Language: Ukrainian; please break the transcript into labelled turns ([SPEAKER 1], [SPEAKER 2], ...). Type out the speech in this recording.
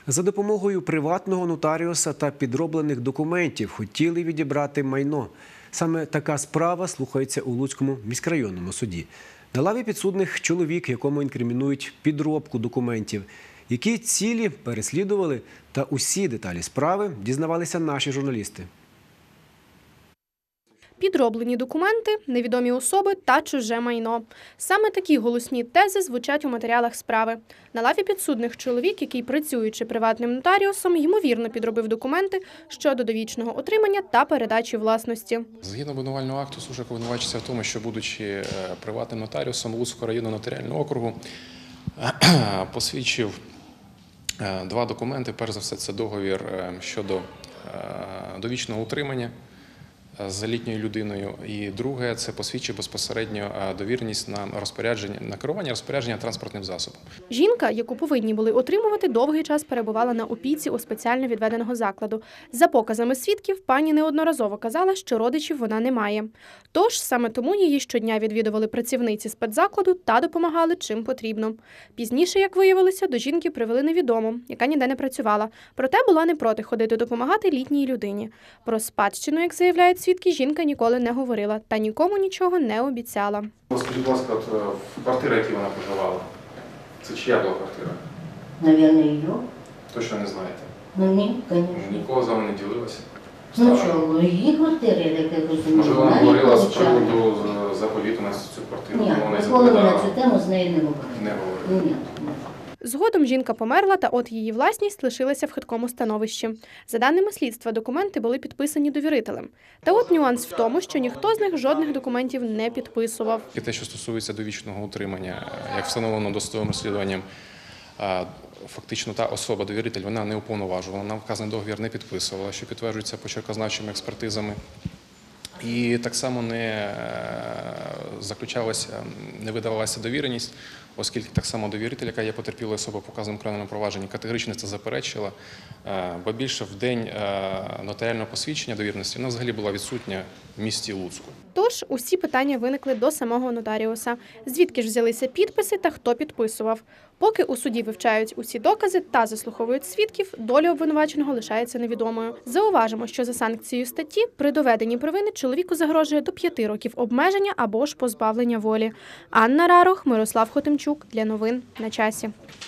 [SPEAKER 1] За допомогою приватного нотаріуса та підроблених документів хотіли відібрати майно. Саме така справа слухається у Луцькому міськрайонному суді. На лаві підсудних чоловік, якому інкримінують підробку документів. Які цілі переслідували та усі деталі справи дізнавалися наші журналісти.
[SPEAKER 2] Підроблені документи, невідомі особи та чуже майно. Саме такі голосні тези звучать у матеріалах справи. На лаві підсудних чоловік, який, працюючи приватним нотаріусом, ймовірно підробив документи щодо довічного отримання та передачі власності.
[SPEAKER 3] Згідно обвинувального акту, Сушак обвинувачується в тому, що, будучи приватним нотаріусом Луцького районного нотаріального округу, посвідчив два документи. Перш за все, це договір щодо довічного утримання за літньою людиною. І друге – це посвідчив безпосередньо довіреність на розпорядження, на керування розпорядження транспортним засобом.
[SPEAKER 2] Жінка, яку повинні були отримувати, довгий час перебувала на опіці у спеціально відведеного закладу. За показами свідків, пані неодноразово казала, що родичів вона не має. Тож, саме тому її щодня відвідували працівниці спецзакладу та допомагали чим потрібно. Пізніше, як виявилося, до жінки привели невідому, яка ніде не працювала. Проте була не проти ходити допомагати літній людині. Про спадщину, як заявляють свідки, жінка ніколи не говорила та нікому нічого не обіцяла.
[SPEAKER 3] Скажіть, будь ласка, в квартирі, в якій вона проживала, це чия була квартира?
[SPEAKER 4] Наверное, її.
[SPEAKER 3] Точно не знаєте?
[SPEAKER 4] Ну ні, звісно.
[SPEAKER 3] Нікого з вами не ділилася?
[SPEAKER 4] Ну що, її квартира, як я розумію.
[SPEAKER 3] Можливо, вона говорила з приводу заповіту на цю квартиру?
[SPEAKER 4] Ні,
[SPEAKER 3] Вона
[SPEAKER 4] ніколи на цю тему з нею не говорила.
[SPEAKER 3] Не говорила?
[SPEAKER 4] Ні.
[SPEAKER 2] Згодом жінка померла, та от її власність лишилася в хиткому становищі. За даними слідства, документи були підписані довірителем. Та от нюанс в тому, що ніхто з них жодних документів не підписував.
[SPEAKER 3] І те, що стосується довічного утримання, як встановлено досудовим розслідуванням, фактично та особа-довіритель, вона не уповноважувала, вона вказаний договір не підписувала, що підтверджується почеркознавчими експертизами. І так само не заключалася, не видавалася довіреність, оскільки так само довіритель, яка є потерпілою особою по вказаному кримінальному провадженні, категорично це заперечила, бо більше в день нотаріального посвідчення довіреності вона взагалі була відсутня в місті Луцьку.
[SPEAKER 2] Тож усі питання виникли до самого нотаріуса. Звідки ж взялися підписи та хто підписував? Поки у суді вивчають усі докази та заслуховують свідків, доля обвинуваченого лишається невідомою. Зауважимо, що за санкцією статті при доведенні провини чоловіку загрожує до 5 років обмеження або ж позбавлення волі. Анна Рарох, Мирослав Хотимчук. Для новин на часі.